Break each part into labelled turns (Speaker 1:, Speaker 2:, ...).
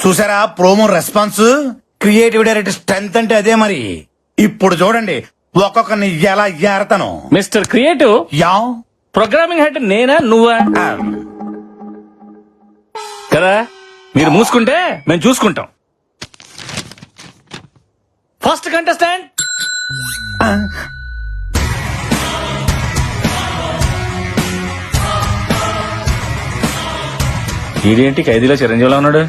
Speaker 1: చూసారా promo response? Creative director strength అంటే అదే మరి. ఇప్పుడు చూడండి ఒక్కొక్కరిని ఎలా ఏరతాను.
Speaker 2: Mister creative,
Speaker 1: yeah
Speaker 2: programming head నేనా నువ్వా కదా? మీరు మూసుకుంటే మేము చూసుకుంటాం. ఫస్ట్ కంటెస్టెంట్ ఇదేంటి ఖైదీలో చిరంజీవిలో ఉన్నాడు?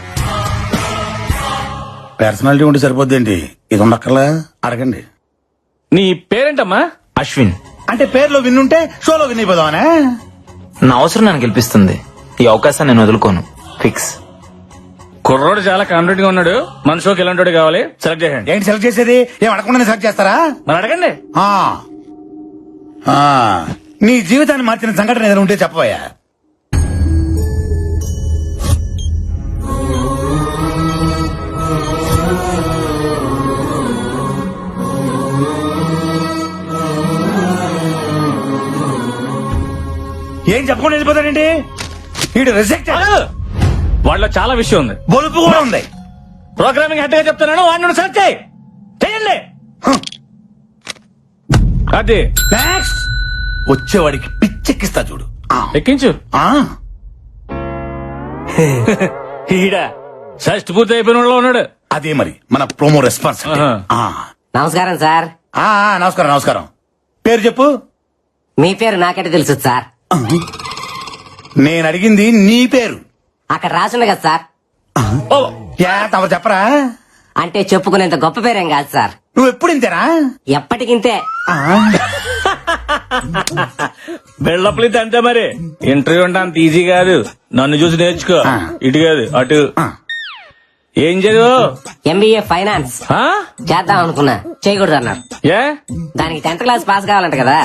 Speaker 1: పర్సనాలిటీ ఉంటే సరిపోద్దేంటి, ఇది ఉండక్కర్లా? అడగండి.
Speaker 2: నీ పేరేంటమ్మా?
Speaker 3: అశ్విన్.
Speaker 1: అంటే పేరులో విన్నుంటే షోలో విన్ అయిపోదామనే.
Speaker 3: నా అవసరం నన్ను గెలిపిస్తుంది. ఈ అవకాశాన్ని నేను వదులుకోను. ఫిక్స్.
Speaker 2: కుర్రోడు చాలా కాన్ఫిడెంట్ గా ఉన్నాడు. మన షోకి ఎలాంటి కావాలి సెలెక్ట్ చేయండి.
Speaker 1: ఏంటి సెలెక్ట్ చేసేది? ఏం అడగకుండా సెలెక్ట్ చేస్తారా?
Speaker 2: మరి అడగండి.
Speaker 1: ఆ. ఆ. నీ జీవితాన్ని మార్చిన సంఘటన ఏదైనా ఉంటే చెప్పబోయా. ఏం చెప్పకుండా వెళ్ళిపోతాడండి వీడు? రిజెక్ట్.
Speaker 2: వాళ్ళలో చాలా విషయం ఉంది,
Speaker 1: బొలుపు కూడా ఉంది.
Speaker 2: ప్రోగ్రామింగ్ హెడ్ గా చెప్తున్నాను, వాడిని సెలెక్ట్ చేయండి. అది
Speaker 1: నెక్స్ట్ వచ్చేవాడికి పిచ్చెక్కిస్తా చూడు.
Speaker 2: ఎక్కించు. ఈడ షష్ట్ పూర్తి అయిపోయిన వాళ్ళు ఉన్నాడు.
Speaker 1: అదే మరి మన ప్రోమో రెస్పాన్స్.
Speaker 4: నమస్కారం సార్.
Speaker 1: నమస్కారం నమస్కారం. పేరు చెప్పు.
Speaker 4: మీ పేరు నాకంటే తెలుసు సార్.
Speaker 1: నేను అడిగింది నీ పేరు.
Speaker 4: అక్కడ రాసుంది కదా సార్.
Speaker 1: తమరు చెప్పరా?
Speaker 4: అంటే చెప్పుకునేంత గొప్ప పేరేం కాదు సార్.
Speaker 1: నువ్వు ఎప్పుడు ఇంతేనా?
Speaker 4: ఎప్పటికింతే.
Speaker 2: బిల్డప్లు అంతే మరి. ఇంటర్వ్యూ అంటే అంత ఈజీ కాదు. నన్ను చూసి నేర్చుకో. ఇటు కాదు అటు. ఏం చదువు?
Speaker 4: ఎంబీఏ ఫైనాన్స్ చేద్దాం అనుకున్నా, చేయకూడదు అన్నారు.
Speaker 2: ఏ?
Speaker 4: దానికి 10th క్లాస్ పాస్ కావాలంట కదా.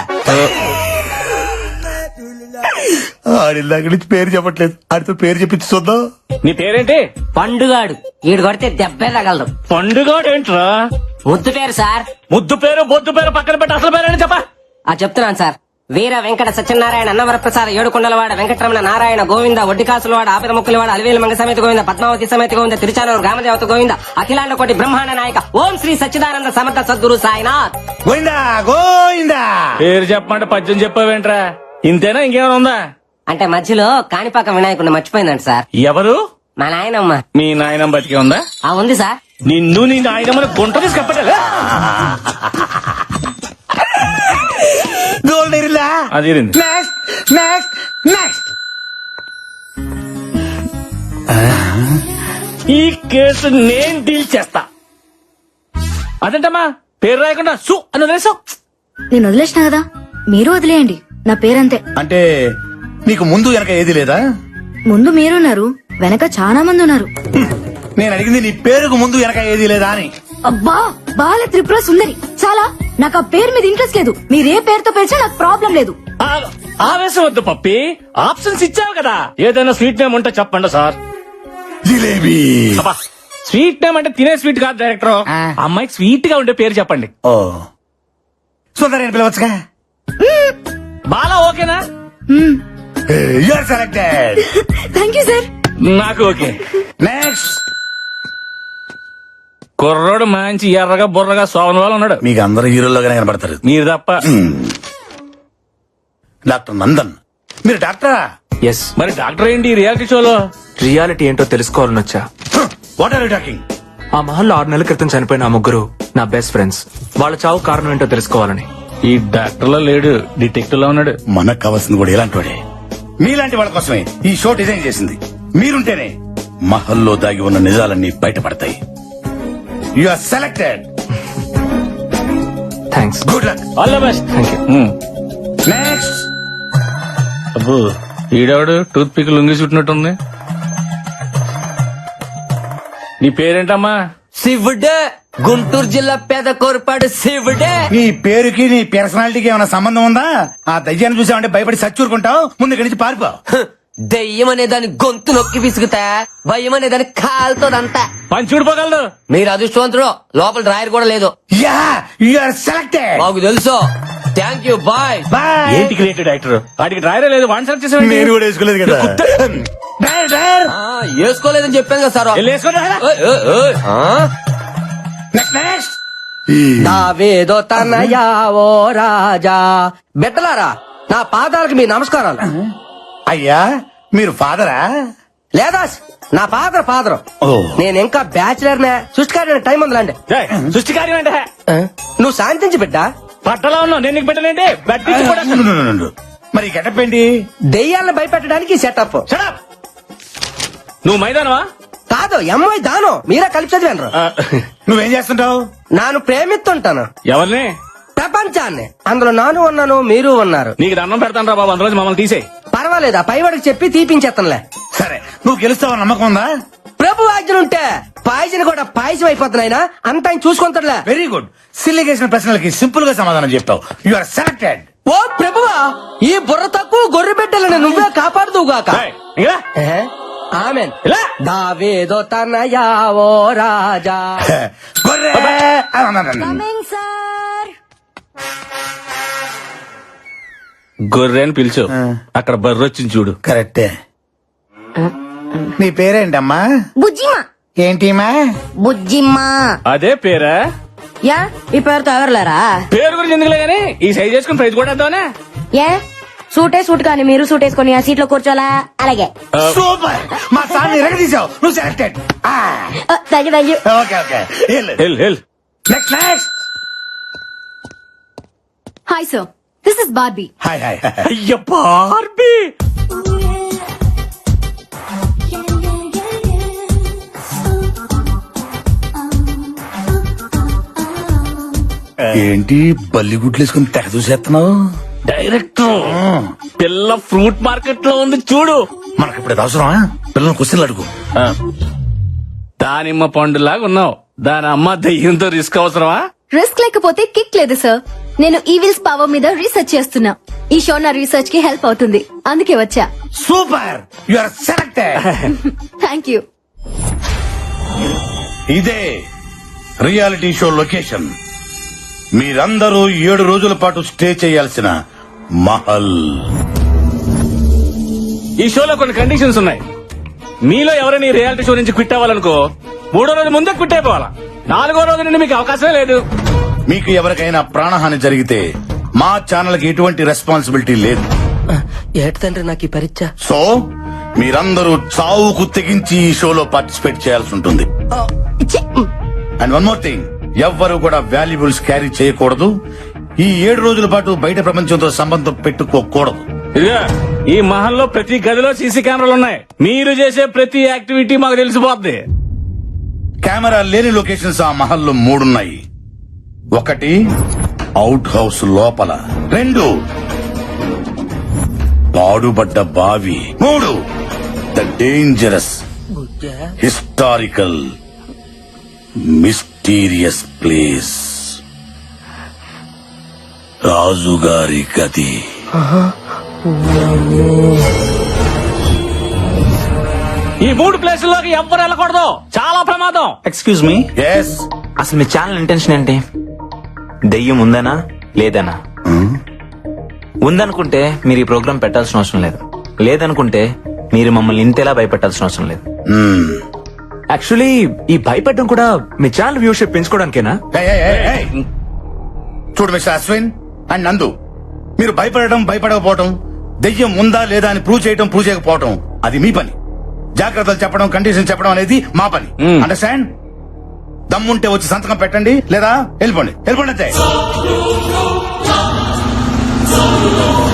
Speaker 1: ఆడికి నుంచి పేరు చెప్పట్లేదు, ఆడితో పేరు చెప్పించి చూద్దాం.
Speaker 2: నీ పేరేంటి?
Speaker 4: పండుగాడు. ఈడు కొడితే దెబ్బే తగలదు.
Speaker 2: పండుగోడు ఏంట్రా?
Speaker 4: ముద్దు పేరు సార్.
Speaker 2: ముద్దు పేరు బొద్దు పేరు పక్కన పెట్టి అసలు పేరేంటి చెప్పా.
Speaker 4: చెప్తున్నాను సార్. వీర వెంకట సత్యనారాయణ అన్నవరప్రసాద ఏడుకొండలవాడ వెంకటరమణ నారాయణ గోవింద ఒడ్డికాసులవాడ ఆపిద ముక్కులవాడ అలివేలు మంగ సమేత గోవింద పద్మావతి సమేత గోవింద తిరుచానూరు గ్రామదేవత గోవింద అఖిలాండ కోటి బ్రహ్మాండ నాయక ఓం శ్రీ సచ్చిదానంద సమర్థ సద్గురు సాయినాథ్.
Speaker 1: గోవిందా గోవిందా.
Speaker 2: పేరు చెప్పమంటే పద్యం చెప్పావేంట్రా? ఇంతేనా ఇంకేమైనా ఉందా?
Speaker 4: అంటే మధ్యలో కాణిపాక వినాయకుడిని మర్చిపోయిందంట సార్.
Speaker 2: ఎవరు?
Speaker 4: మా నాయనమ్మ.
Speaker 2: మీ నాయనమ్మ బతికే ఉందా?
Speaker 4: ఉంది సార్.
Speaker 2: నిన్ను నీ నాయనమ్మని గుంట తీసి కప్పటలే. అది ఈ కేసు నేను డీల్ చేస్తా. అదేంటమ్మా పేరు రాయకుండా సు అని వదిలేసావు?
Speaker 5: నేను వదిలేసిన కదా, మీరు వదిలేయండి. నా పేరంతే.
Speaker 1: అంటే నీకు ముందు వెనక ఏది లేదా?
Speaker 5: ముందు మీరున్నారు, వెనక చాలా మంది ఉన్నారు.
Speaker 1: నేను అడిగింది నీ పేరుకు ముందు వెనక ఏది లేదా అని.
Speaker 5: అబ్బా బాల త్రిపుర సుందరి. చాలా. నాకు ఆ పేరు మీద ఇంట్రెస్ట్ లేదు. మీరే పేరుతో పిలిచినా నాకు ప్రాబ్లం లేదు.
Speaker 2: ఆవేశం వద్దు పప్పి, ఆప్షన్స్ ఇచ్చావు కదా. ఏదైనా స్వీట్ నేమ్ ఉంటే చెప్పండి సార్.
Speaker 1: జిలేబీ.
Speaker 2: స్వీట్ నేమ్ అంటే తినే స్వీట్ కాదు డైరెక్టర్. అమ్మాయికి స్వీట్ గా ఉండే పేరు చెప్పండి.
Speaker 1: ఓ సుందరి అని పిలవచ్చుగా.
Speaker 2: బాలా ఓకేనా?
Speaker 1: You are selected.
Speaker 5: Thank you sir.
Speaker 2: నాకు ఓకే.
Speaker 1: నెక్స్ట్
Speaker 2: కుర్రోడు మంచి ఎర్రగా బుర్రగా సోమన్ వాళ్ళు ఉన్నాడు.
Speaker 1: మీకు అందరు హీరోలుగానే కనబడతారు,
Speaker 2: మీరు తప్ప.
Speaker 1: డాక్టర్ నందన్. మీరు డాక్టరా?
Speaker 3: ఎస్.
Speaker 2: మరి డాక్టర్ ఏంటి రియాలిటీ షోలో?
Speaker 3: రియాలిటీ ఏంటో తెలుసుకోవాలని వచ్చా.
Speaker 1: What are you talking?
Speaker 3: ఆ మహల్లో 6 నెలల క్రితం చనిపోయిన ఆ ముగ్గురు నా బెస్ట్ ఫ్రెండ్స్. వాళ్ళ చావు కారణం ఏంటో తెలుసుకోవాలని.
Speaker 2: ఈ డాక్టర్ లో లేడు, డిటెక్టివ్ లో ఉన్నాడు.
Speaker 1: మనకు కావాల్సింది కూడా ఇలాంటి వాడే. మీలాంటి వాళ్ళ కోసమే ఈ షో డిజైన్ చేసింది. మీరుంటేనే మహల్లో దాగి ఉన్న నిజాలన్నీ బయటపడతాయి. You are selected.
Speaker 3: Thanks.
Speaker 1: Good luck.
Speaker 2: All the best.
Speaker 3: Thank you.
Speaker 1: Next.
Speaker 2: అబ్బో ఈడవాడు టూత్ పిక్ లొంగి చుట్టినట్టుంది. నీ పేరేంటమ్మా?
Speaker 4: శివుడే. గుంటూరు జిల్లా పేద కోరపాడు శివుడే.
Speaker 1: నీ పేరుకి నీ పర్సనాలిటీకి ఏమైనా సంబంధం ఉందా? ఆ దయ్యాన్ని చూసావంటే భయపడి సచ్చూరుకుంటావు, ముందు ఇక్కడి నుంచి పారిపో.
Speaker 4: దెయ్యం అనే దాని గొంతు నొక్కి విసుగుతా, భయం అనే దాని కాలుతోదంతా.
Speaker 2: పని చూడిపోగలదు.
Speaker 4: మీరు అదృష్టవంతుడు, లోపల డ్రాయర్ కూడా లేదు.
Speaker 1: Yeah you are selected.
Speaker 4: మాకు తెలుసు. Thank you. బాయ్.
Speaker 1: బాయ్.
Speaker 2: ఏంటి క్రియేటివ్ డైరెక్టర్? వాడికి డ్రైవరే లేదు, వన్ సెలెక్ట్ చేసాడు.
Speaker 1: నేను కూడా వేసుకోలేదు కదా.
Speaker 6: వేసుకోలేదని చెప్పాను కదా సార్.
Speaker 2: వెళ్ళి వేసుకోండి, రా.
Speaker 1: నెక్స్ట్
Speaker 6: దావేదో తనయా ఓ రాజా. బిడ్డలారా, నా పాదాలకు మీ నమస్కారాలు.
Speaker 1: అయ్యా మీరు ఫాదరా?
Speaker 6: లేదా నా ఫాదర్.
Speaker 1: ఓ.
Speaker 6: నేను ఇంకా బ్యాచిలర్ నే. సృష్టికారి టైం ఉందిలాండి.
Speaker 2: ఏయ్, సృష్టి కార్యం అంటే
Speaker 6: నువ్వు శాంతించి బిడ్డ.
Speaker 2: పట్టలో ఉన్నావు, నేను నీకు పెట్టలేంటి? బట్టి కూడా
Speaker 1: నుండు. మరి గెటప్ ఏంటి?
Speaker 6: దెయ్యాలను భయపెట్టడానికి సెటప్.
Speaker 2: Shut up. నువ్వు మైదానవా?
Speaker 6: కాదు, ఎంఐ దాను. మీరే కలిపి చదివాను.
Speaker 1: నువ్వేం చేస్తుంటావు?
Speaker 6: నాను ప్రేమిస్తుంటాను
Speaker 2: ఎవరిని?
Speaker 6: ప్రపంచాన్ని. అందులో నాను ఉన్నాను, మీరు ఉన్నారు.
Speaker 2: నీకు దండం పెడతాను రా బాబు, అందులో మమ్మల్ని తీసేయ్.
Speaker 6: పర్వాలేదు, ఆ పైవాడికి చెప్పి తీపించేస్తానులే.
Speaker 1: సరే, నువ్వు గెలుస్తావని నమ్మకం ఉందా?
Speaker 6: ప్రభు ఆజ్ఞలుంటే పాయసం కూడా పాయసం అయిపోతున్నాయినా అంత ఆయన చూసుకుంటాడులే.
Speaker 1: Very good. సిల్లి చేసిన ప్రశ్నలకి సింపుల్ గా సమాధానం చెప్తావు. You are selected.
Speaker 6: ఓ ప్రభువా, ఈ బుర్ర తక్కువ గొర్రె బిడ్డలను నువ్వే కాపాడుదువుగాక.
Speaker 2: ఏయ్, ఇంకా రా.
Speaker 6: ఆమెన్.
Speaker 2: ఇలా.
Speaker 6: దావేదో తనయా ఓ రాజా.
Speaker 1: గొర్రె.
Speaker 5: Coming sir.
Speaker 2: గొర్రె అని పిలిచు, అక్కడ బర్రె వచ్చింది చూడు.
Speaker 1: కరెక్టే. నీ పేరేంటమ్మా?
Speaker 5: బుజ్జిమా.
Speaker 1: ఏంటిమా?
Speaker 5: బుజ్జిమా.
Speaker 2: అదే పేరా?
Speaker 5: యా, ఈ పేరుతో ఎవరులేరా?
Speaker 2: పేరు గురించి ఎందుకులే గానీ ఈ సైజ్ చేసుకుని ప్రైజ్ కూడా వేద్దామనే.
Speaker 5: ఏ సూట్ కానీ మీరు సూట్ వేసుకొని ఆ సీట్ లో కూర్చోలా? అలాగే.
Speaker 1: సూపర్. మా సార్ ఎరగదీసావు. నువ్వు selected.
Speaker 5: Thank you.
Speaker 1: Okay okay.
Speaker 2: Hell
Speaker 1: next next.
Speaker 5: Hi sir, this is Barbie.
Speaker 1: Hi hi.
Speaker 2: అయ్య బార్బీ.
Speaker 1: ఏంటి బల్లిగుడ్లు వేసుకుని తెగ చూసేస్తున్నావు?
Speaker 2: డైరెక్టర్ పిల్ల ఫ్రూట్ మార్కెట్ లో ఉంది చూడు.
Speaker 1: మనకి ఇప్పుడు అవసరమా? పిల్లలు క్వశ్చన్లు అడుగు.
Speaker 2: దానిమ్మ పండులాగా ఉన్నావు, దాని అమ్మ దయ్యంతో రిస్క్ అవసరమా?
Speaker 7: రిస్క్ లేకపోతే కిక్ లేదు సార్. నేను ఈవిల్స్ పవర్ మీద రీసెర్చ్ చేస్తున్నా. ఈ షో నా రీసెర్చ్ కి హెల్ప్ అవుతుంది, అందుకే వచ్చా.
Speaker 1: Super. You are selected.
Speaker 7: Thank you.
Speaker 1: ఇదే రియాలిటీ షో లొకేషన్. మీరందరూ 7 రోజుల పాటు స్టే చేయాల్సిన మహల్.
Speaker 2: ఈ షోలో కొన్ని కండిషన్స్ ఉన్నాయి. మీలో ఎవరైనా ఈ రియాలిటీ షో నుంచి క్విట్ అవ్వాలనుకో 3వ రోజు ముందే క్విట్ అయిపోవాలా. 4వ రోజు నుండి మీకు అవకాశమే లేదు.
Speaker 1: మీకు ఎవరికైనా ప్రాణహాని జరిగితే మా ఛానల్ కి ఎటువంటి రెస్పాన్సిబిలిటీ లేదు.
Speaker 6: ఏటి తండ్రి నాకు ఈ పరీక్ష.
Speaker 1: సో మీరందరూ చావుకు తెగించి ఈ షోలో పార్టిసిపేట్ చేయాల్సి ఉంటుంది. అండ్ వన్ మోర్ థింగ్, ఎవ్వరూ కూడా వాల్యుబుల్స్ క్యారీ చేయకూడదు. ఈ 7 రోజుల పాటు బయట ప్రపంచంతో సంబంధం పెట్టుకోకూడదు.
Speaker 2: ఇదిగా ఈ మహల్లో ప్రతి గదిలో సీసీ కెమెరాలు ఉన్నాయి. మీరు చేసే ప్రతి యాక్టివిటీ మాకు తెలిసిపోద్ది.
Speaker 1: కెమెరా లేని లొకేషన్స్ ఆ మహల్లో 3 ఉన్నాయి. 1 అవుట్ హౌస్ లోపల, 2 పాడుబడ్డ బావి, 3 the dangerous historical mysterious place, రాజుగారి గది.
Speaker 2: ఈ 3 ప్లేసుల్లోకి ఎవ్వరు వెళ్ళకూడదు, చాలా ప్రమాదం.
Speaker 3: Excuse me,
Speaker 1: yes.
Speaker 3: అసలు మీ ఛానల్ ఇంటెన్షన్ ఏంటి? దెయ్యం ఉందనా లేదనా? ఉందనుకుంటే మీరు ఈ ప్రోగ్రామ్ పెట్టాల్సిన అవసరం లేదు. లేదనుకుంటే మీరు మమ్మల్ని ఇంతేలా భయపెట్టాల్సిన అవసరం లేదు. యాక్చువల్లీ ఈ భయపెట్టడం కూడా మీ ఛానల్ వ్యూషిప్ పెంచుకోవడానికేనా?
Speaker 1: చూడు మిస్టర్ అశ్విన్ అండ్ నందు, మీరు భయపడకపోవటం, దెయ్యం ఉందా లేదా అని ప్రూవ్ చేయకపోవటం అది మీ పని. జాగ్రత్తలు చెప్పడం, కండిషన్ చెప్పడం అనేది మా పని. అండర్స్టాండ్? దమ్ముంటే వచ్చి సంతకం పెట్టండి, లేదా వెళ్ళిపోండి అంతే.